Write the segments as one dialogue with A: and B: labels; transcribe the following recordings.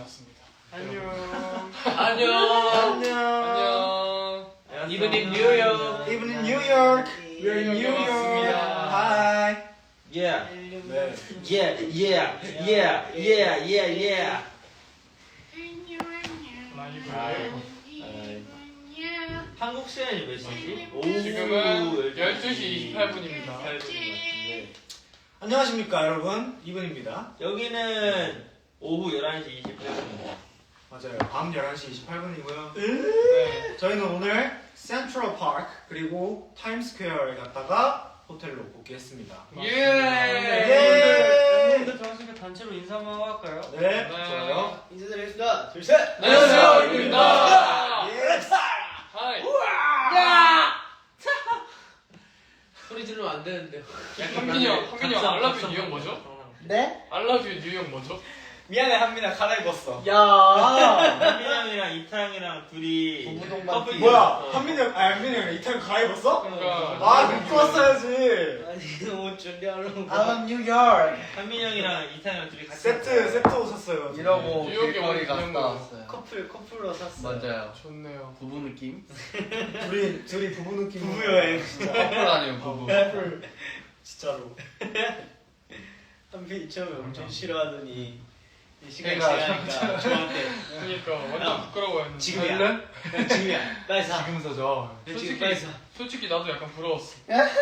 A: 났습니다.
B: 안녕.
A: 안녕.
B: Even in New York.
C: Even in New York.
A: We're in New York.
C: Hi.
B: Yeah.
C: 네.
B: Yeah. 한국 시간이 몇 시지?
A: 지금은 12시 28분입니다.
C: 안녕하십니까 여러분, 이분입니다.
B: 여기는 오후 11시 28분입니다.
C: 맞아요. 밤 11시 28분이고요.
A: 네.
C: 저희는 오늘 센트럴 파크 그리고 타임스퀘어에 갔다가 호텔로 복귀했습니다.
A: 예.
B: 오늘 들어왔으니까 단체로 인사 한번 할까요?
C: 네,
A: 네.
C: 좋아요.
D: 인사드리겠습니다. 둘, 셋!
A: 안녕하세요. 입니다.
C: 예스.
A: 하이.
D: 소리 지르면 안 되는데요.
A: 한민이 형 알라뷰 뉴욕 뭐죠?
D: 네?
A: 알라뷰 뉴욕 뭐죠?
B: 미안해 한민아 갈아입었어.
D: 야!
B: 한민 형이랑 이타 형이랑 둘이
D: 부부동반
B: 커플
C: 뭐야? 한민이 형, 한민이 형 이탈 갈아입었어?
A: 그러니까
C: 아, 입고 왔어야지.
D: 아니, 옷 준비하려고.
E: I'm 뉴욕.
B: 한민 형이랑 이타 형이랑 둘이 같이
C: 세트 옷 샀어요.
E: 이러고
A: 뉴욕에
E: 길거리
A: 오는
E: 갔다
A: 기념으로.
E: 왔어요.
D: 커플로 샀어요.
E: 맞아요.
A: 좋네요.
E: 부부 느낌?
C: 둘이 부부 느낌.
B: 부부 여행.
E: 커플 아니에요 부부.
C: 커플. 진짜로.
D: 한편이 처음에 엄청 싫어하더니 이 시간이
E: 그러니까
D: 지나니까 저한테
A: 그러니까 완전 부끄러워했는데.
D: 지금이야. 지금이야. 빨리 사.
E: 지금서 저.
D: 지금 빨리 사.
A: 솔직히 나도 약간 부러웠어.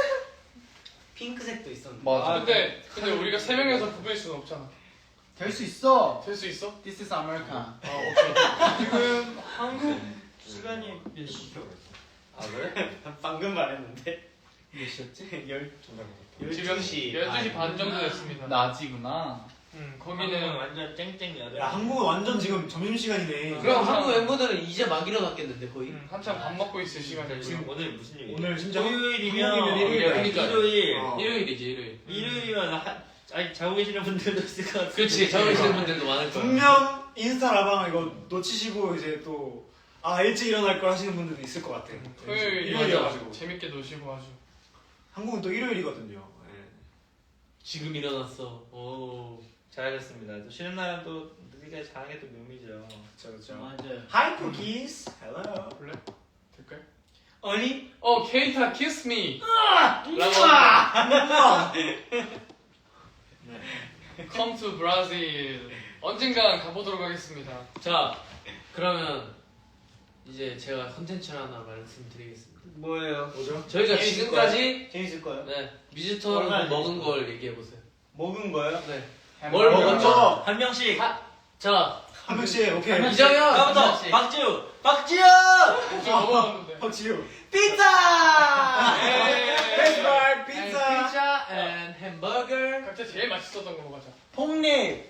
D: 핑크색도 있었는데.
E: 맞아.
A: 근데 우리가 3명이서 부부일 수는 없잖아.
E: 될 수 있어.
A: 될 수 있어?
E: This is America.
A: 아 오케이.
B: 지금 한국 시간이 몇 시죠?
D: 아, 그래? 방금 말했는데.
E: 몇 시였지?
A: 지금
D: 12시.
A: 12시 반 정도 됐습니다.
E: 낮이구나.
B: 거기는 완전 쨍쨍이야.
C: 야, 한국은 완전 지금 점심시간이네.
D: 그럼 한국 멤버들은 이제 막 일어났겠는데 거의?
A: 한참 밥 먹고 있을 시간이고요.
B: 지금 오늘 무슨 요일이야?
C: 오늘 진짜
B: 토요일이면
C: 한국이면
D: 일요일이야.
B: 일요일.
C: 어.
D: 일요일이지 일요일.
B: 일요일이면 아니 자고 계시는 분들도 있을 것 같아.
D: 그렇지. 자고 계시는 분들도 많을 거야.
C: 분명 인스타 라방 이거 놓치시고 이제 또 일찍 일어날 걸 하시는 분들도 있을 것 같아.
A: 토요일
C: 일요일이어가지고.
A: 재밌게 노시고 아주.
C: 한국은 또 일요일이거든요. 네.
D: 지금 일어났어. 오.
B: 잘하셨습니다. 또 쉬는 날은 또 늦게 자는 게 또 묘미죠.
C: 그렇죠.
D: 맞아요.
C: Hi cookies. Hello.
A: 볼래? 될까요?
D: 아니?
A: 케이타 키스 미. 라고 Come to Brazil. 언젠간 가보도록 하겠습니다.
D: 자, 그러면 이제 제가 컨텐츠 하나 말씀드리겠습니다.
B: 뭐예요?
C: 뭐죠?
D: 저희가
B: 재밌을
D: 지금까지
B: 재밌을 거예요?
D: 네 뮤지컬 먹은 걸 얘기해 보세요.
B: 먹은 거예요?
D: 네. 뭘
E: 햄버거.
D: 먹었죠?
B: 한 명씩.
D: 자,
C: 한 명씩 오케이.
D: 이정현,
B: 다음부터 박지우.
A: 저 먹어봤는데.
C: 박지우.
D: 피자.
C: 베이스볼 피자.
D: 피자 and 햄버거
A: 각자 제일 맛있었던 거 먹어자.
D: 폭립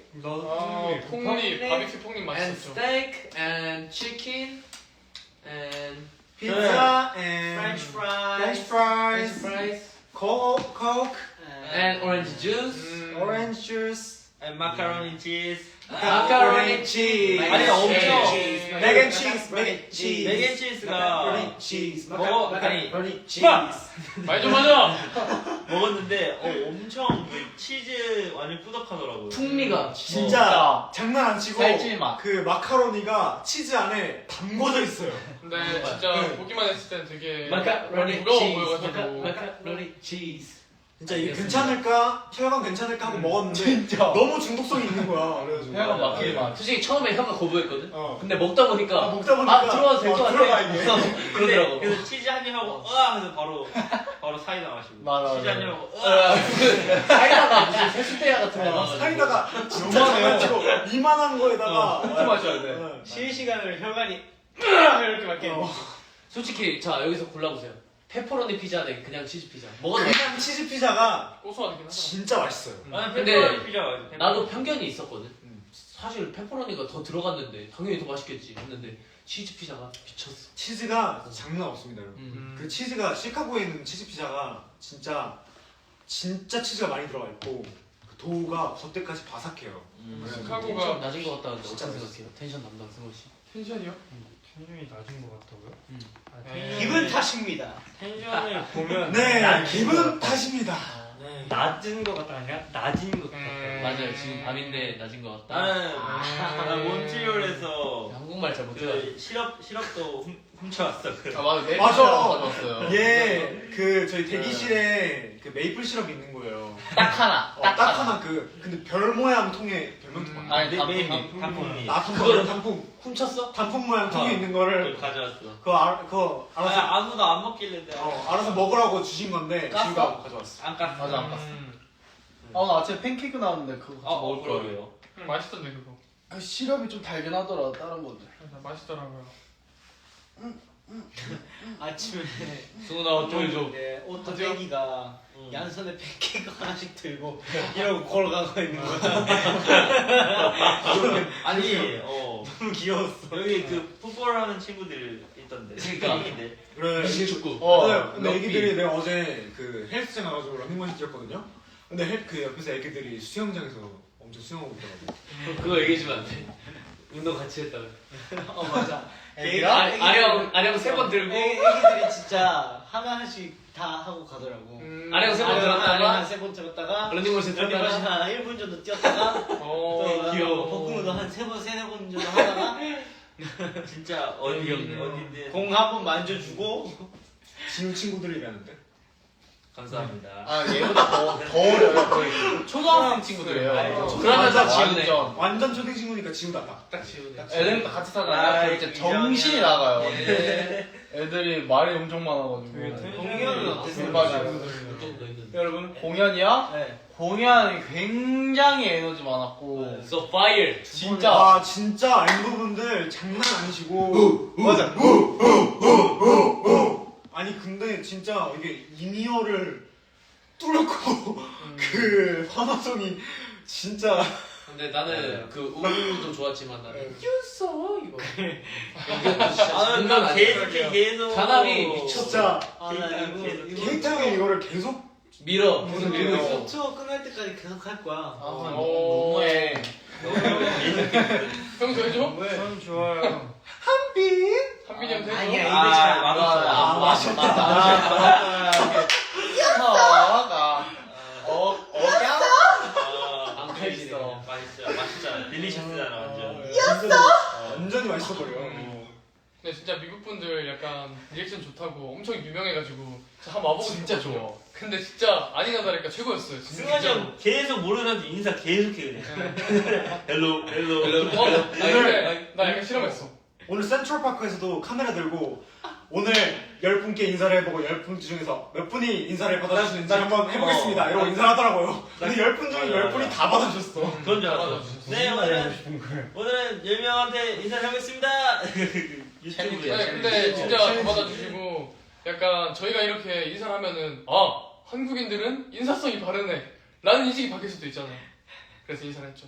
A: 폭립, 바비큐 폭립
D: and
A: 맛있었죠.
D: steak and chicken and
C: 피자 and
B: French fries.
C: French
D: french
C: fries.
D: fries
C: Coke.
D: and orange juice
C: Orange juice.
B: And macaroni cheese.
D: macaroni cheese
B: 아니, 엄청.
C: Mac and cheese. Mac and cheese.
B: 맥앤치즈가
C: Macaroni cheese.
B: 먹어- 아니,
C: Macaroni cheese.
A: 말 좀 하자.
B: 먹었는데 엄청 그 치즈 완전 꾸덕하더라고요.
D: 풍미가
C: 진짜 장난 안 치고
E: 살찔 맛.
C: 그 마카로니가 치즈 안에 담궈져 있어요.
A: 근데 진짜 보기만 했을 땐 되게
D: macaroni
A: 무거워
D: cheese
A: 보여가지고.
D: macaroni cheese
C: 진짜 이게
D: 알겠습니다.
C: 괜찮을까? 혈관 괜찮을까 하고 먹었는데
E: 진짜.
C: 너무 중독성이 있는 거야. 그래가지고
E: 혈관 막히게 맛.
D: 솔직히 처음에 혀가 거부했거든.
C: 어.
D: 근데 먹다 보니까
C: 먹다 보니까
D: 들어와도 될 것 같아.
C: 들어가 이게.
D: 그러더라고.
B: 그래서 치즈 한 입 하고 하면서 바로 사이다 마시고.
E: 맞아,
B: 치즈 한 입
E: 맞아.
B: 하고
D: 그 사이다가 무슨 세숫대야 같은 거 나와가지고.
C: 사이다가 진짜 장난치고 이만한 거에다가
E: 그렇게 마셔야 돼.
C: 네.
D: 실시간으로 혈관이 이렇게 막혀.
C: 어.
D: 솔직히 자 여기서 골라보세요. 페퍼로니 피자 대 그냥 치즈 피자. 뭐가 더
C: 그냥 치즈 피자가
A: 고소하긴 하더라.
C: 진짜 맛있어요.
B: 나는
D: 근데
B: 페퍼로니 피자 맞아.
D: 나도 편견이 있었거든. 사실 페퍼로니가 더 들어갔는데 당연히 더 맛있겠지 했는데 치즈 피자가 미쳤어.
C: 치즈가 장난 없습니다, 여러분. 그 치즈가 시카고에 있는 치즈 피자가 진짜 치즈가 많이 들어가 있고 그 도우가 겉에까지 바삭해요.
D: 텐션
A: 카고가
D: 낮은 것 같다는데
C: 진짜
D: 어떻게 생각해요? 텐션 담당 승호 씨.
A: 텐션이요?
B: 텐션이 낮은 것 같다고요?
A: 네.
F: 기분 탓입니다.
B: 텐션을 보면
C: 네, 기분 탓입니다.
B: 낮은 것 같다 아니라 낮은 것 같다.
D: 맞아요. 지금 밤인데 낮은 것 같다.
G: 나는 나 몬트리올에서
D: 한국말 잘 못해가지고.
G: 그 시럽도 훔쳐왔어.
A: 아 맞아. 내
C: 맞아.
A: 가져왔어요.
C: 예, 그 저희 대기실에 그 메이플 시럽 있는 거예요.
A: 딱 하나.
C: 딱 하나 근데 별 모양 통에 별명도 많아.
A: 아니
G: 단풍이.
C: 그거를 단풍
D: 훔쳤어?
C: 단풍 모양 통에 있는 거를
G: 가져왔어.
C: 그거 알아서
G: 아무도 안 먹길래 내가
C: 알아서 먹으라고 주신 건데
D: 깠어?
C: 지우가 가져왔어.
G: 안 깠어.
A: 맞아 안 깠어.
E: 나 아침에 팬케이크 나왔는데 그거 같이 먹을 거예요.
G: 그러게요.
A: 맛있던데 그거.
E: 그 시럽이 좀 달긴 하더라 다른 것들.
A: 맛있더라고요.
F: 아침에
D: 승훈아 어쩌죠?
F: 네, 오토 대기가 양손에 팬케이크 하나씩 들고 이러고 걸어가고 있는 거야.
G: 아니
F: 너무 귀여웠어.
G: 여기 그 풋볼 하는 친구들 있던데.
D: 그러니까.
G: 애기들.
C: 그래.
D: 미식축구.
C: 근데
D: 럭비.
C: 애기들이 내가 어제 그 헬스장 가가지고 러닝머신 뛰었거든요. 근데 그 옆에서 애기들이 수영장에서 엄청 수영하고 있더라고.
D: 그거 얘기해주면 안 돼? 운동 같이 했다가.
F: 맞아.
D: 아령 3번 들고.
F: 애기들이 진짜 하나씩 다 하고 가더라고.
D: 아령 3번 들었다가.
F: 3번 들었다가
D: 런닝머신
F: 런닝머신
D: 들었다가.
F: 한 1분 정도 뛰었다가 또
D: 귀여워.
F: 복근도 한 3번, 4번 정도 하다가
G: 진짜 어딘데.
F: 공 한 번 만져주고
C: 지우 친구들이라는데.
G: 감사합니다.
A: 아 얘보다 더 어려요. 거의 초등학생 친구들이에요.
D: 그러면서
A: 완전
D: 지우네.
C: 완전 초딩 친구니까 지우다.
D: 딱 지우네.
A: 애들 같이
G: 아,
A: 살잖아요. 이제 정신이
G: 이정이야.
A: 나가요.
E: 애들이 말이 엄청 많아가지고.
F: 공연은 어땠어요?
E: 대박이에요.
D: 좀더 있는데.
E: 여러분 공연이야?
F: 네.
E: 공연이 굉장히 에너지 많았고
D: So fire.
E: 진짜
C: 아 진짜 엠부분들 장난 아니시고. 맞아. 아니 근데 진짜 이게 인이어를 뚫고 그 환호성이 진짜.
D: 근데 나는 그 우도 좋았지만 나는
C: 네.
D: 유서 이거. 이것도 진짜
G: 아,
D: 장난 아니야.
G: 계속
D: 단합이 미쳤어.
C: 진짜
F: 나 이거
C: 케이트 형이 이거를 계속
D: 밀어. 계속 밀고
C: 밀어.
D: 있어.
F: 투어 끝날 때까지 계속 할 거야.
E: 너무해.
A: 형도 해줘?
B: 전 좋아요.
A: 한빈이 형도 해줘?
F: 아니야 입에 잘안
G: 맛없어요.
E: 맛있다.
D: 안
G: 맛있어. 맛있잖아. 딜리셔스잖아 완전.
C: 완전히 맛있어 버려.
A: 근데 진짜 미국 분들 약간 리액션 좋다고 엄청 유명해가지고 진짜 한번 와보고
E: 진짜
A: 싶거든요.
E: 좋아.
A: 근데 진짜 아니나 다를까 최고였어요. 진짜.
G: 승환이 형 계속 모르는 사람한테 인사 계속 해 그냥. 헬로.
A: 나 약간 실험했어.
C: 오늘 센트럴파크에서도 카메라 들고 오늘 10분께 인사를 해보고 10분 중에서 몇 분이 인사를 받아주시는지 한번 해보겠습니다 이러고 인사를 하더라고요. 근데 10분 중에 10분이 다 받아주셨어.
G: 그런 줄 알았어. 네 오늘은
B: 싶은 거예요.
G: 10명한테 인사를 하겠습니다. 유튜브에.
A: 네, 근데 진짜 다 받아주시고 약간 저희가 이렇게 인사를 하면은 아 한국인들은 인사성이 바르네 라는 인식이 바뀔 수도 있잖아요. 그래서 인사를 했죠.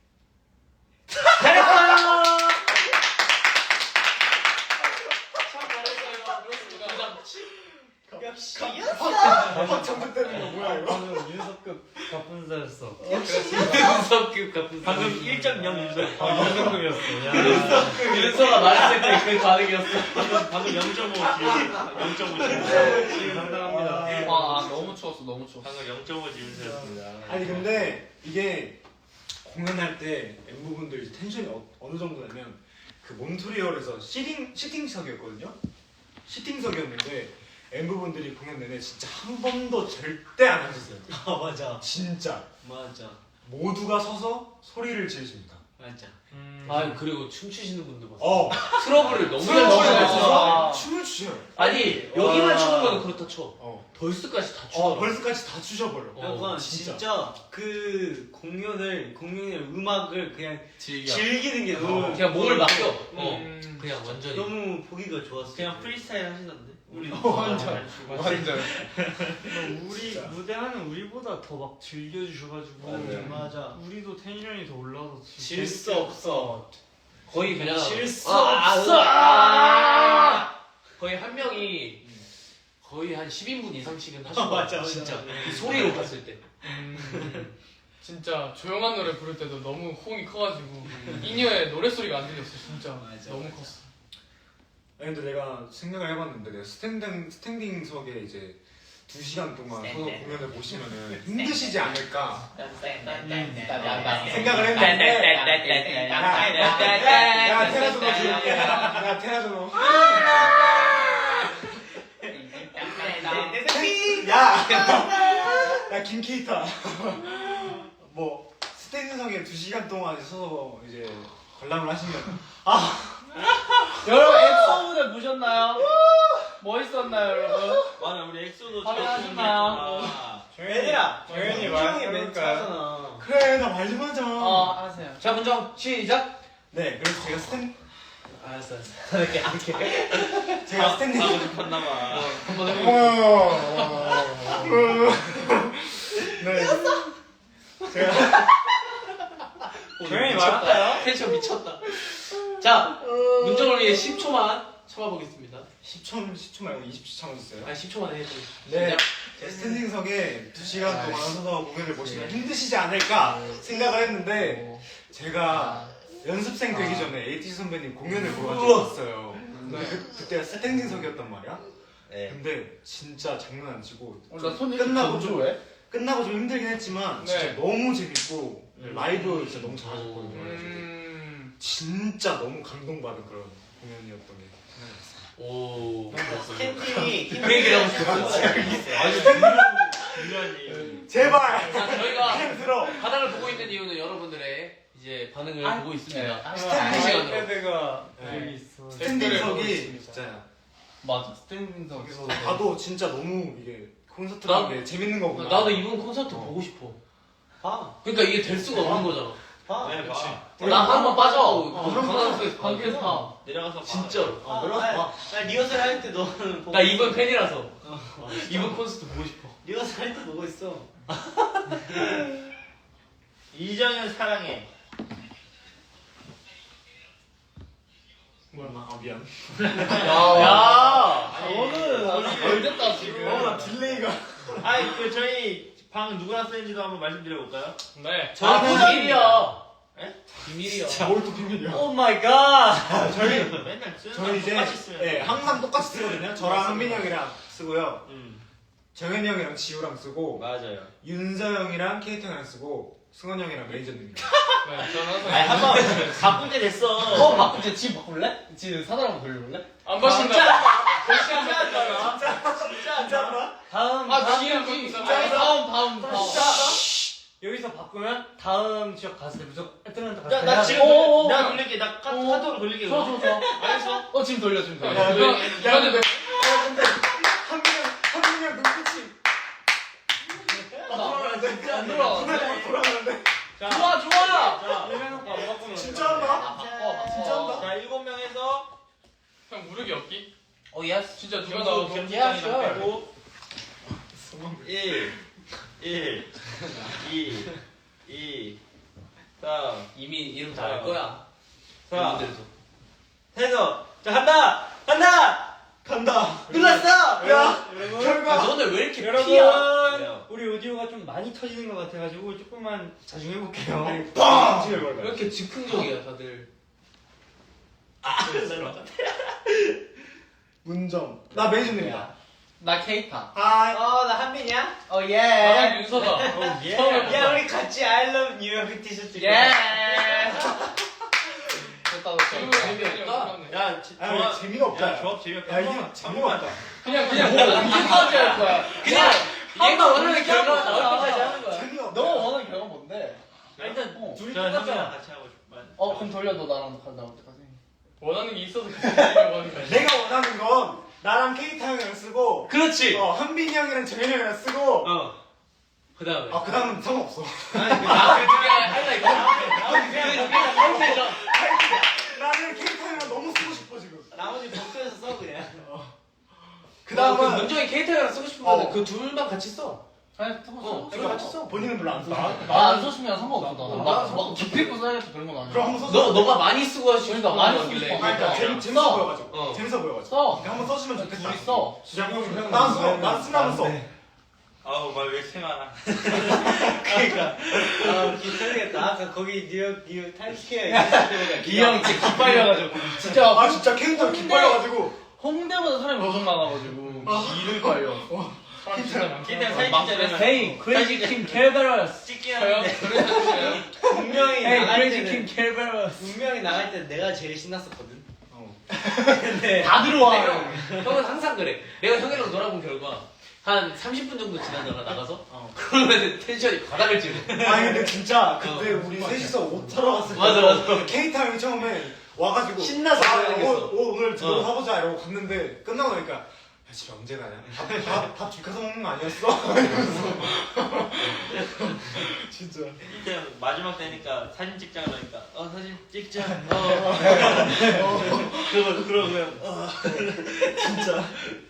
F: 역시
C: 확 되는 거 뭐야 이거?
B: 저는 윤석급 가분사였어.
D: 윤석급 같은
G: 방금 1.0 윤석.
B: 윤석급이었어.
D: 윤서가 말했을 때 그 반응이었어.
G: 방금 0.5 지금
B: 감사합니다.
A: 너무 추웠어 너무 추웠어.
G: 방금 0.5 지윤서였습니다.
C: 아니 근데 이게 공연할 때 엠부분들 텐션이 어느 정도냐면 그 몬트리올에서 시팅석이었거든요. 시팅석이었는데 엠부분들이 공연 내내 진짜 한 번도 절대 안 앉았어요.
F: 아 맞아
C: 진짜
F: 맞아
C: 모두가 서서 소리를 지르십니다.
F: 맞아.
D: 아 그리고 춤추시는 분들 봤어.
C: 어
D: 트러블을 너무 잘
C: 트러블을
D: 추셔.
C: 맞춰서 춤을 추셔요.
D: 아니 여기만 추는 거는 그렇다 쳐.
C: 어.
D: 벌스까지 다 추더라고.
C: 벌스까지 다 추셔버려.
F: 약간
C: 진짜.
F: 진짜 그 공연의 음악을 그냥
A: 즐겨.
F: 즐기는 게 너무
D: 그냥 몸을 맡겨.
A: 음.
D: 그냥 완전히.
F: 너무 보기가 좋았어.
G: 그냥 프리스타일 하시던데. 우리
A: 완전.
B: 우리
C: 진짜.
B: 무대하는 우리보다 더 막 즐겨주셔가지고
F: 맞아.
B: 우리도 텐션이 더 올라서
F: 질 수 없어.
D: 거의 그냥
F: 질 수
D: 아,
F: 없어.
D: 거의 한 명이 거의 한 10인분 이상씩은 하신 거
F: 맞아,
D: 같아.
F: 맞아.
D: 진짜 이 소리로 봤을 때.
A: 진짜 조용한 노래 부를 때도 너무 호응이 커가지고 인이어의 노래 소리가 안 들렸어 진짜.
F: 맞아,
A: 너무
F: 맞아.
A: 컸어.
C: 아니 근데 내가 생각을 해봤는데 내가 스탠딩석에 이제 2시간 동안 서서 공연을 보시면은 힘드시지 않을까 생각을 했는데 내가 테라조노 줄게. 내가 테라조노. 야 김케이타. 뭐 스탠딩석에 2시간 동안 서서 이제 관람을 하시면
E: 여러분 엑소 무대 보셨나요? 멋있었나요 여러분?
G: 맞아 우리 엑소도
E: 화면하시나요?
F: 얘들아
C: 조용히
F: 문정이 멘트
C: 말해볼까요?
F: 하잖아.
C: 그래 나 말 좀 하자.
E: 하세요.
D: 자 문정 시작.
C: 네 그래서 제가
F: 알았어.
C: 제가 스탠딩
G: 하고 싶었나봐.
D: 한번 해볼게요.
C: 네 제가
F: 조용히 말할까요?
D: 텐션 미쳤다. 자 문정을 위해 10초만 참아보겠습니다.
C: 10초 말고 20초 참아주세요.
D: 아니 10초만 해줘.
C: 네 제 스탠딩석에 2시간 동안 서서 공연을 보시면 힘드시지 않을까 생각을 했는데 제가 연습생 되기 전에 에이티 선배님 공연을 보러 간 적이 있어요. 근데 그때가 스탠딩석이었단 말이야.
F: 네.
C: 근데 진짜 장난 안 치고
E: 나 손이
C: 끝나고
E: 건조해?
C: 끝나고 좀 힘들긴 했지만 진짜
A: 네.
C: 너무 재밌고 라이브 진짜 너무 잘하셨거든요. 진짜 너무 감동받은 그런 공연이었던 게 생각났어요.
D: 오.
F: 스탠딩이
D: 그 얘기를 하고 싶었어.
G: 아주 중요한 얘기.
C: 제발
D: 자 저희가
C: 그냥 들어.
D: 바닥을 보고 있는 이유는 여러분들의 이제 반응을 보고 있습니다.
C: 스탠딩
D: 시간으로.
F: 아이패드가
C: 네.
F: 여기 있어.
C: 스탠딩석이 진짜
E: 맞아 스탠딩석.
C: 거기서 봐도 진짜 너무 이게 콘서트
D: 나-
C: 가는 게 재밌는 거구나.
D: 나도 이번 콘서트 보고 싶어. 그러니까 이게 될 수가 없는 거잖아.
G: 네, 봐.
D: 나 한 번 빠져.
C: 그럼
D: 관광석에서 관계에서
G: 내려가서 봐.
D: 진짜로.
C: 내려와.
F: 나 리허설 할 때 너는 보고
D: 나 이번 팬이라서 이번 콘서트 보고 싶어.
F: 리허설 할 때 보고 있어.
G: 이정현 사랑해.
C: 아 미안.
D: 야.
E: 너는 걸렸다 지금.
C: 나 딜레이가.
G: 아니 그 저희 방 누구나 쓰는지도 한번 말씀드려 볼까요?
A: 네.
D: 저 비밀이야.
G: 에?
D: 비밀이야.
C: 뭘 또 비밀이야.
F: 오 마이 갓.
C: 저희
G: 맨날 쓰는
C: 저희 이제
G: 똑같이 쓰면
C: 네, 항상 똑같이 쓰거든요. 저랑 한빈이 형이랑 쓰고요.
G: 음.
C: 정현이 형이랑 지우랑 쓰고
F: 맞아요.
C: 윤서 형이랑 케이트 형이랑 쓰고 승원 형이랑 매니저님이랑.
A: 네. 저는 항상
G: 아니 한번 바꿀 때 됐어.
E: 바꿀게. 지금 바꿀래? 지금 사달 한번 돌려볼래?
A: 안 보신다.
C: 진짜?
F: 다음
A: 기억이
E: 다음.
F: 여기서 바꾸면 다음 지역 갔을 때 무조건 애들한테 갔을 때
G: 나
F: 해야
G: 지금
F: 돼.
E: 오, 오,
G: 내가 돌릴게. 나 카톡으로 돌릴게.
E: 좋아.
G: 알겠어.
E: 지금 돌려.
C: 야, 근데 한빈이 형 눈빛이
E: 안 돌아.
C: 돌아가는데.
G: 자,
E: 좋아.
G: 자,
F: 일면 오빠 뭐 바꾸면
C: 진짜 한다.
E: 진짜
C: 한다.
G: 자 7명에서
A: 형 무릎이 없기?
D: 예스.
A: 진짜 누가
G: 경수
A: 나와도
G: 경수장이랑 빼고 1 2 3
D: 이미 이름 다 알 거야.
G: 4
D: 여러분들도.
G: 해서 자 간다.
C: 간다.
F: 눌렀어.
C: 야,
F: 여러분.
D: 야,
C: 결과.
D: 너네 왜 이렇게
F: 여러분
D: 피야?
G: 왜요?
F: 우리 오디오가 좀 많이 터지는 것 같아가지고 조금만 자중해 볼게요.
C: 아니, 빵! 지금
D: 왜
C: 걸려.
D: 이렇게 즉흥적이야 다들.
C: 문정. 나 매니저님이다.
E: 나 케이타.
C: 하이.
F: 나 한빈이야?
E: 예.
A: 나랑 윤서다.
F: 야 우리 같이 I love New York 티셔츠.
E: 예. 됐다.
D: 재미없다.
G: 야
C: 아, 재미가 없다.
G: 야 조합 재미없다.
C: 야, 이게 재미가 없다.
A: 그냥
E: 언제까지 할 거야?
D: 그냥 얘가 원하는
E: 그냥
D: 결과가
E: 그냥
D: 나올 때까지 하는 거야.
C: 재미가 없다.
E: 너 원하는 결과 뭔데?
G: 일단
F: 둘이
G: 저
F: 똑같잖아.
G: 형이랑 같이 하고 싶어.
E: 그럼 돌려. 너 나랑 간다 올 때까지.
A: 원하는 게 있어서 같이 하려고 하는 거야.
C: 내가 원하는 건 나랑 케이타 형이랑 쓰고
D: 그렇지.
C: 한빈이 형이랑 정현이 형이랑 쓰고
D: 그 다음에.
C: 그 다음은 상관없어.
D: 그 두 개 할라 이거. 컨텐션.
C: 나는 케이타 형이랑 너무 쓰고 싶어 지금.
F: 나머지 복도에서 써 그냥.
C: 그
D: 그
C: 다음은
D: 문정이 케이타랑 쓰고 싶으면
C: 어.
D: 그 둘만 같이 써.
E: 아니,
D: 둘 같이 써.
C: 본인은 별로 안 써.
E: 나안 써주면 상관없어. 막 깊이 있고 써야겠다 그런 건 아니야.
C: 그럼 한번 써줘.
D: 너가 많이 쓰고 싶은
E: 그러니까 많이 쓰고
D: 거길래.
E: 싶어.
C: 아니, 그러니까 재밌어
E: 써.
C: 보여가지고.
D: 어.
C: 재밌어 보여가지고.
E: 써.
C: 한번 써주면 좋겠다.
E: 둘이 써.
C: 난 써. 난 쓰면 써.
G: 아우 말 왜 이렇게 많아.
F: 그러니까 기특하겠다. 아까 거기 뉴욕 타임스퀘어 있을 때보다
E: 이 형 진짜 기빨려가지고 진짜
C: 아 진짜 케인터 기빨려가지고
E: 홍대보다 사람이 엄청 많아가지고 기를 빨려.
A: 사람 진짜 많긴
G: 기대는
A: 하다.
G: 사진
E: 막
G: 찍자면
E: Hey, Crazy King Kerberos.
G: 찍긴
A: 저요?
G: 하는데
A: 저를 사주세요.
F: 분명히
E: Hey,
F: 나갈
E: Crazy
F: 때는
E: King Kerberos.
F: 분명히 나갈 때 내가 제일 신났었거든.
C: 어.
F: 근데
E: 다 들어와.
D: 형은 항상 그래. 내가 형이랑 놀아본 결과 한 30분 정도 지나다가 나가서 그러면 텐션이 바닥을 찍어.
C: 아니 근데 진짜 그때 우리 셋이서 옷 사러 갔을 때
D: 맞아.
C: 케이타 형이 처음에 와가지고
F: 신나서 그래야겠어.
C: 오늘 들어 사보자 이러고 갔는데 끝나고 나니까 야, 집 언제 가냐? 밥 집 가서 먹는 거 아니었어? 이러면서 진짜
G: 이때 마지막 되니까 사진 찍자 그러니까 사진 찍자. 그러고요.
C: 진짜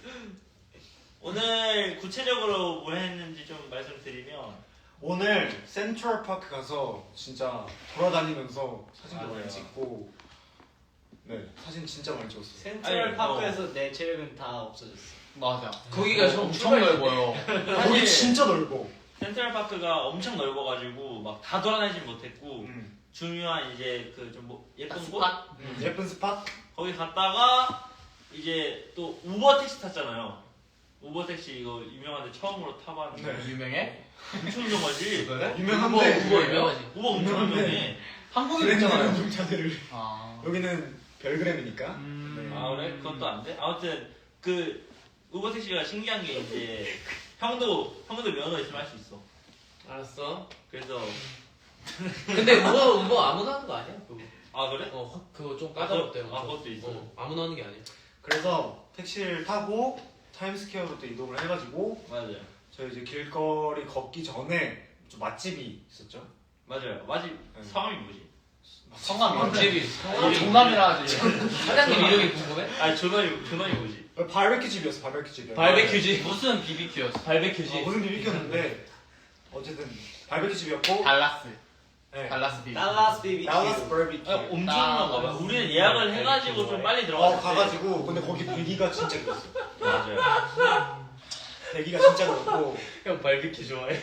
G: 오늘 구체적으로 뭘 했는지 좀 말씀드리면
C: 오늘 센트럴파크 가서 진짜 돌아다니면서 사진도
G: 맞아요.
C: 많이 찍고 네 사진 진짜 많이 찍었어요.
F: 센트럴
G: 아니,
F: 파크에서 내 체력은 다 없어졌어.
E: 맞아.
D: 거기가 좀
E: 엄청 넓어요.
C: 거기 진짜 넓어.
G: 센트럴파크가 엄청 넓어가지고 막 다 돌아다니진 못했고
C: 음.
G: 중요한 이제 그 좀 뭐 예쁜 곳
D: 스팟?
C: 예쁜 스팟?
G: 거기 갔다가 이제 또 우버 택시 탔잖아요. 우버 택시 이거 유명한데 처음으로 타봤는데
C: 네.
E: 유명해?
G: 엄청 유명하지.
C: 유명한데
D: 우버 유명하지.
G: 우버 엄청
C: 유명한데.
G: 유명해.
E: 한국에
C: 브랜드
E: 있잖아요.
C: 운동자들을
E: 아.
C: 여기는 별그램이니까. 네.
G: 아 그래? 그것도 안 돼? 아무튼 그 우버 택시가 신기한 게 이제 형도 면허 있으면 할 수 있어.
D: 알았어.
G: 그래서
D: 근데 우버 아무나 하는 거 아니야? 그거.
G: 아 그래?
D: 그거 좀 까다롭대요.
G: 아, 그것도 있어?
D: 아무나 하는 게 아니야.
C: 그래서 택시를 타고 타임스퀘어로 또 이동을 해가지고
G: 맞아요.
C: 저희 이제 길거리 걷기 전에 좀 맛집이 있었죠.
G: 맞아요. 맞지?
C: 네.
G: 성함이 뭐지?
E: 성함이
D: 집이
E: 정남이라 하지.
D: 사장님 이름이 궁금해?
G: 아니 전원이 뭐지?
C: 바베큐 집이었어. 바베큐 집이었어.
D: 발베큐지.
E: 무슨 BBQ였어?
D: 발베큐지.
C: 무슨 비비큐였는데 어쨌든 바베큐 집이었고
E: 달라스.
C: 네.
E: 달라스 BBQ.
F: 달라스 BBQ.
C: 달라스 바베큐.
G: 엄청난가 봐. 우리는 예약을 해가지고 좀 빨리 들어갔을 때.
C: 가가지고 근데 거기 대기가 진짜 길었어.
G: 맞아요.
C: 대기가 진짜 길었고
D: 형 발베큐 좋아해?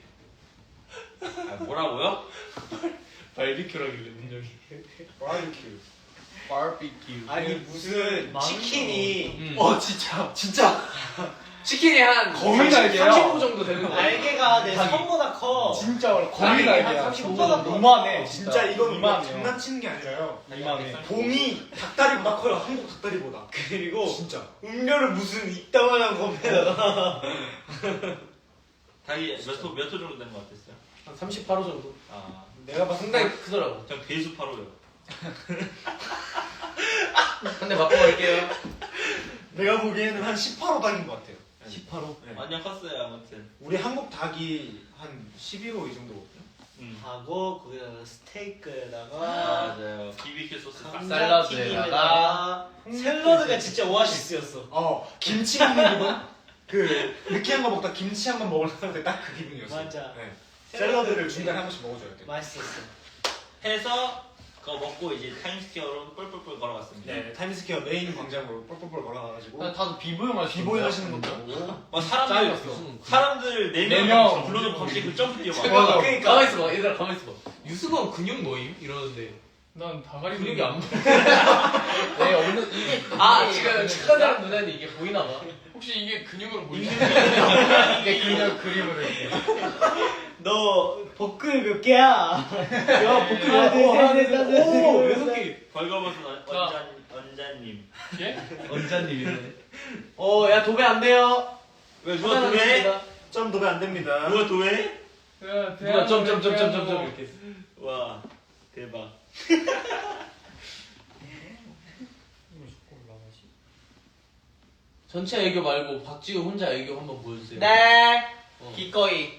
G: 아, 뭐라고요?
D: 발베큐라길래 민정이.
C: 바베큐.
E: 바비큐.
F: 아니 무슨 치킨이
C: 진짜
D: 치킨이 한
E: 거의 날개야.
D: 35 정도 되는 거.
F: 날개가 내 손보다 커.
C: 진짜
E: 거의
D: 날개
E: 날개야.
D: 한 35
F: 손보다
D: 정도.
E: 이만해.
C: 진짜 이건
E: 이만해요.
C: 장난치는 게 아니라요.
E: 이만해.
C: 봉이 닭다리보다 커요. 한국 닭다리보다.
F: 그리고
C: 진짜.
F: 음료를 무슨 이따만한 건데다가
G: 닭이 몇 호 정도 된 것 같았어요?
D: 한 38호 정도.
G: 아,
C: 내가 봤을 때
D: 상당히 크더라고.
G: 전 배수 8호요.
D: 한 대 맞고 갈게요.
C: 내가 보기에는 한 18호 닭인 것 같아요.
D: 18호.
C: 네.
G: 완전 컸어요 아무튼.
C: 우리 한국 닭이 한 12호 이 정도거든요.
F: 하고 거기다가 스테이크에다가
G: 맞아요. BBQ 소스 딱.
F: 감자튀김에다가 샐러드가 진짜 오아시스였어.
C: 김치 먹는 기분? 그 느끼한 거 먹다 김치 한 번 먹을 때 딱 그 기분이었어.
F: 맞아.
C: 네. 샐러드를 중간에 한 번씩 먹어줘야 돼.
F: 맛있었어.
G: 해서 그거 먹고 이제 타임스퀘어로 뿔뿔뿔 걸어갔습니다.
C: 네, 타임스퀘어 메인 광장으로 뻘뻘뻘 걸어가가지고
E: 다들 비보잉 하시는
C: 비보이
E: 거야.
C: 하시는 것도 보고.
G: 막
E: 짱이었어.
G: 사람들
E: 네
G: 4명
E: 명.
G: 불러서 갑자기 그 점프 뛰어가.
E: 맞아.
F: 그러니까.
D: 가만 있어봐. 얘들아 가만 있어봐. 유승원 근육 모임 이러는데
A: 난 다가리
D: 근육이 안 보여.
E: 네, 없는 이게
D: 지금 착한 사람 눈에는 이게 보이나 봐.
A: 혹시 이게 근육으로 보이지?
E: 이게 그냥 그림으로 이렇게.
F: 너 복근 몇 개야? 야 복근 하나 둘셋넷 다섯
E: 오,
F: 여섯 개.
G: 벌거벗은 언자님.
A: 예?
D: 언자님이네. 야 도배 안 돼요.
G: 왜 누가 도해?
C: 점 도배 안 됩니다.
G: 누가 도해?
D: 누가 점점점점점 이렇게. 했어.
G: 와 대박.
D: 전체 애교 말고 박지우 혼자 애교 한번 보여주세요.
E: 네.
D: 어.
E: 기꺼이.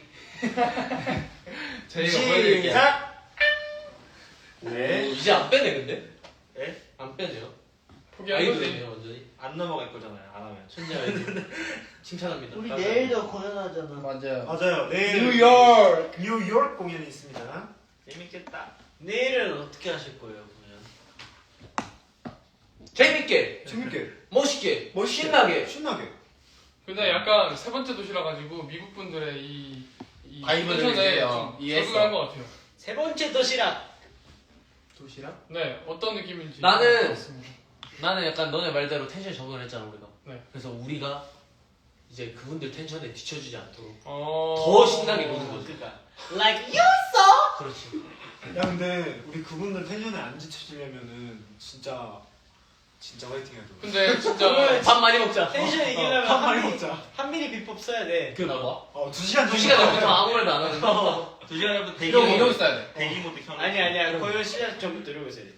A: 저희가 보여드릴게요.
C: 시작.
D: 오,
C: 네.
D: 이제 안 빼네 근데?
G: 에?
D: 안 빼네요.
A: 포기한 거지.
D: 아이돌이네요 완전히.
G: 안 넘어갈 거잖아요 안 하면.
D: 천재 아이돌. 칭찬합니다.
F: 우리 내일도 공연하잖아.
E: 맞아요.
C: 맞아요. 내일
E: 뉴욕.
C: 뉴욕 공연이 있습니다.
G: 재밌겠다.
F: 내일은 어떻게 하실 거예요 공연?
D: 재밌게,
C: 재밌게,
D: 멋있게,
C: 멋있게,
D: 신나게.
C: 신나게.
A: 근데 약간 세 번째 도시라 가지고 미국 분들의 이
E: 바이브를
A: 텐션에
E: 이제,
A: 좀
E: 이해했어.
A: 적응한 것 같아요.
F: 세 번째 도시락.
D: 도시락?
A: 네, 어떤 느낌인지.
D: 나는-
A: 맞습니다.
D: 나는 약간 너네 말대로 텐션 적응을 했잖아 우리가.
A: 네.
D: 그래서 우리가 이제 그분들 텐션에 뒤처지지 않도록
A: 어...
D: 더 신나게 노는 거지.
F: 그러니까 like you.
D: 그렇지.
C: 야 근데 우리 그분들 텐션에 안 지쳐지려면은 진짜 화이팅 해야 돼.
A: 근데 진짜
D: 밥 많이 먹자.
F: 텐션 이기려면
C: 밥 많이 먹자.
F: 한 미리 비법 써야 돼.
E: 그 봐.
C: 2시간
D: 2시간 전부터 아무 말도 안 하는 거.
G: 2시간 전부터 대기
E: 이러고
G: 모드
E: 있어야 돼.
G: 대기 모드 켜놓고
F: 아니야. 거의 시작 전부터 이러고 있어야 돼.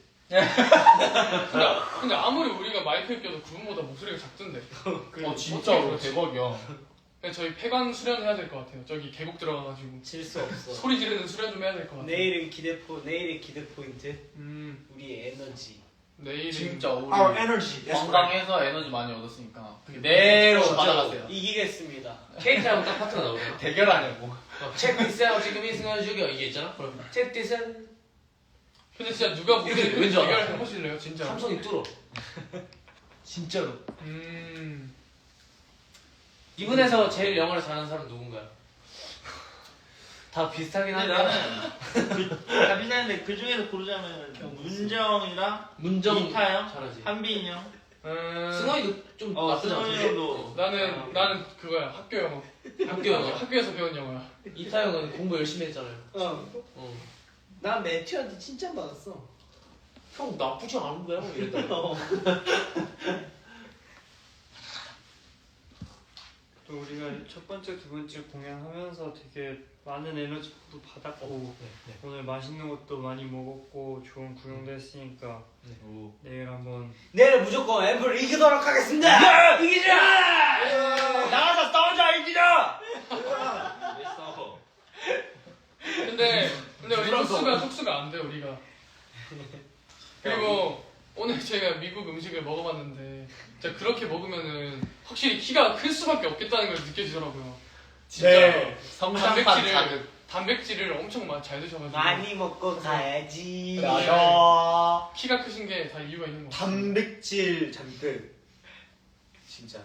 A: 근데 아무리 우리가 마이크에 껴도 그분보다 목소리가 작던데.
E: 진짜로 대박이야.
A: 근데 저희 폐관 수련해야 될 것 같아요. 저기 계곡 들어가가지고
F: 질 수 없어.
A: 소리 지르는 수련 좀 해야 될 것 같아요.
F: 내일의 기대 포인트. 우리의 에너지.
A: 내일은
E: 진짜 우리
C: Our energy. That's right.
E: 관광에서 에너지 많이 얻었으니까 그대로
D: 진짜로.
E: 받아가세요.
F: 이기겠습니다.
D: 케이크하고 딱 파트가 나오잖아.
E: 대결하냐고.
D: 체크 디스하고 지금 이 순간 죽여 이게 있잖아. 그럼 체크 디스
A: 근데 진짜 누가
D: 이렇게
A: 목소리
D: 왠지 알아?
A: 대결 해보실래요? 진짜.
D: 삼성이 뚫어. 진짜로. 이분에서 제일 영어를 잘하는 사람 누군가요? 다 비슷하긴
G: 근데
D: 한데
G: 나는 다 비슷한데 그 중에서 고르자면 문정이랑
D: 문정
G: 이타영,
D: 잘하지.
G: 한빈이 형,
D: 승원이도 좀 나쁘지
G: 승원이
D: 않던데?
G: 형도
A: 나는 그거야. 학교 영어.
D: 학교 영어.
A: 학교에서 배운 영어야.
D: 이타영은 공부 열심히 했잖아요.
F: 어. 난 매튜한테 칭찬 받았어.
D: 형 나쁘지 않은 거야? 뭐 이랬더니.
H: 또 우리가 첫 번째, 두 번째 공연하면서 되게 많은 에너지도 받았고 오늘 맛있는 것도 많이 먹었고 좋은 구경도 했으니까 내일 한번
F: 내일 무조건 앰플 이기도록 하겠습니다. 이기자. 나가서 싸우자 이기자.
G: 왜 싸워?
A: 근데 우리 촉수가 안 돼 우리가. 그리고 오늘 제가 미국 음식을 먹어봤는데 진짜 그렇게 먹으면은 확실히 키가 클 수밖에 없겠다는 걸 느껴지더라고요. 진짜
C: 네.
E: 성장판 자극.
A: 단백질을 엄청 잘 드셔가지고
F: 많이 먹고 가야지.
C: 맞아.
A: 키가 크신 게 다 이유가 있는 것 같아요.
C: 단백질 잔뜩. 진짜.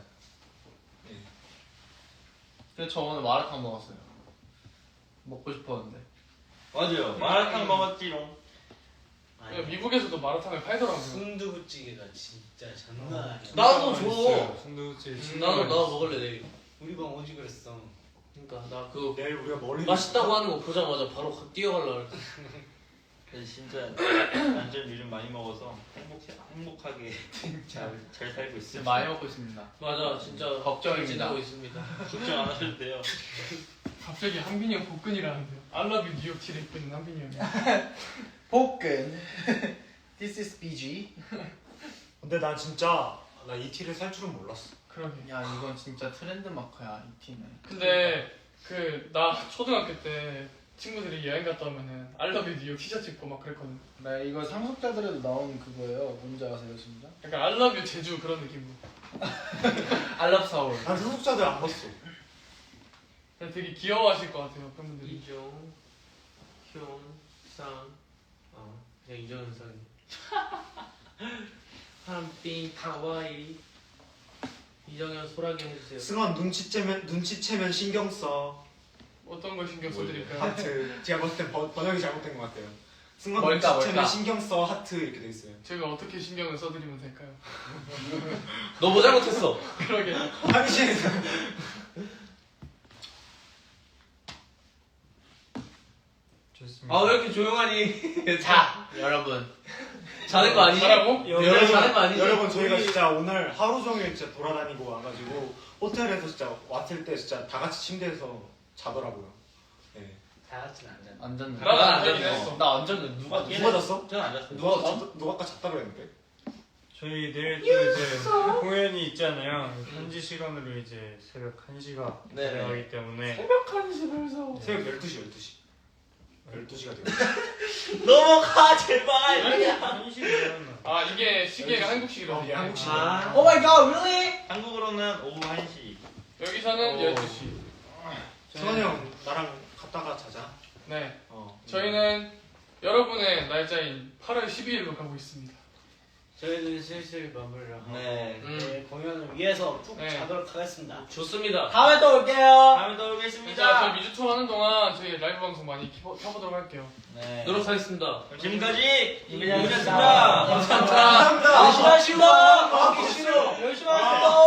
E: 그래서 저 오늘 마라탕 먹었어요. 먹고 싶었는데.
G: 맞아요. 마라탕 먹었지롱.
A: 미국에서도 마라탕을 팔더라고요.
F: 순두부찌개가 진짜 장난 아니야.
D: 나도 줘.
H: 순두부찌개
D: 나도 먹을래 내일.
F: 우리 방 오지 그랬어.
D: 그러니까 나 그거
C: 내일 우리가 머리
D: 맛있다고 하는 거 보자마자 바로 뛰어갈라 그랬
G: 진짜 완전 요즘 많이 먹어서 행복하게 잘 살고 있어요.
E: 지금 많이 먹고 있습니다.
D: 맞아 진짜
E: 걱정입니다.
D: 지내고 있습니다.
G: 걱정 안 하셔도 돼요.
A: 갑자기 한빈이 형 복근이라는데요. I love you 뉴욕 티를 입고 있는 한빈이 형이.
E: 복근. This is BG.
C: 근데 난 진짜 나 이 티를 살 줄은 몰랐어.
A: 그러게.
E: 야 이건 진짜 트렌드 마커야 이 티는.
A: 근데 나 초등학교 때 친구들이 여행 갔다 오면은 I love you 뉴욕 티셔츠 입고 막 그랬거든.
E: 네 이거 상속자들에도 나오는 그거예요. 뭔지 아세요 진짜?
A: 약간 I love you 제주 그런 느낌으로.
E: I love 서울.
C: 난 소속사들 안 봤어.
A: 그냥 되게 귀여워하실 것 같아요 팬분들이.
D: 이종, 효, 상, 그냥 이정현상이. 한빈 카와이. 이정현 소라게 해주세요.
C: 승원 눈치채면 신경 써.
A: 어떤 걸 신경 써드릴까요?
C: 하트. 제가 봤을 땐 번역이 잘못된 것 같아요. 승원
E: 뭘까,
C: 눈치채면
E: 뭘까?
C: 신경 써 하트 이렇게 돼 있어요.
A: 제가 어떻게 신경을 써드리면 될까요?
D: 너 뭐 잘못했어?
A: 그러게.
C: 당신에서
H: 좋습니다.
D: 아 왜 이렇게 조용하니?
E: 자 여러분.
D: 자는 거 아니지?
A: 잘하고?
C: 여러분,
D: 자는 거 아니지?
C: 여러분 저희가 진짜 오늘 하루 종일 진짜 돌아다니고 와가지고 호텔에서 진짜 왔을 때 진짜 다 같이 침대에서 자더라고요. 네.
F: 다 같이는 안 잔다.
E: 안 잤네.
A: 나도 안
E: 안
A: 잤긴
E: 잤네.
A: 했어.
E: 나 안 잤네. 누가
C: 누가 잤어?
G: 저는 안 잤어요.
C: 누가 아까 잤다 그랬는데?
H: 저희 내일 또 이제 공연이 있잖아요. 현지 시간으로 이제 새벽 1시가
D: 네.
H: 들어가기 때문에
A: 새벽 1시 벌써.
C: 새벽 12시가 되고.
G: 넘어가 제발.
H: 1시 일어났나?
A: 아 이게 시계가 한국식이거든요.
C: 한국식.
F: 아.
E: Oh my god, really?
G: 한국으로는 오후 1시.
A: 여기서는 12시.
C: 승환이 형 나랑 갔다가 자자.
A: 네.
C: 어.
A: 저희는 여러분의 날짜인 8월 12일로 가고 있습니다.
H: 저희는 슬슬 마무리를 하고
F: 네.
H: 네, 공연을 위해서 쭉
A: 네.
H: 자도록 하겠습니다.
D: 좋습니다.
H: 다음에 또 올게요.
G: 다음에 또
A: 진짜
G: 오겠습니다.
A: 저희 미주 투어 하는 동안 저희 라이브 방송 많이 켜보도록 할게요.
F: 네.
D: 노력하겠습니다.
G: 지금까지
F: 이민혁이었습니다.
G: 이민혁이었습니다.
A: 감사합니다.
H: 열심히 하시고 열심히 하세요.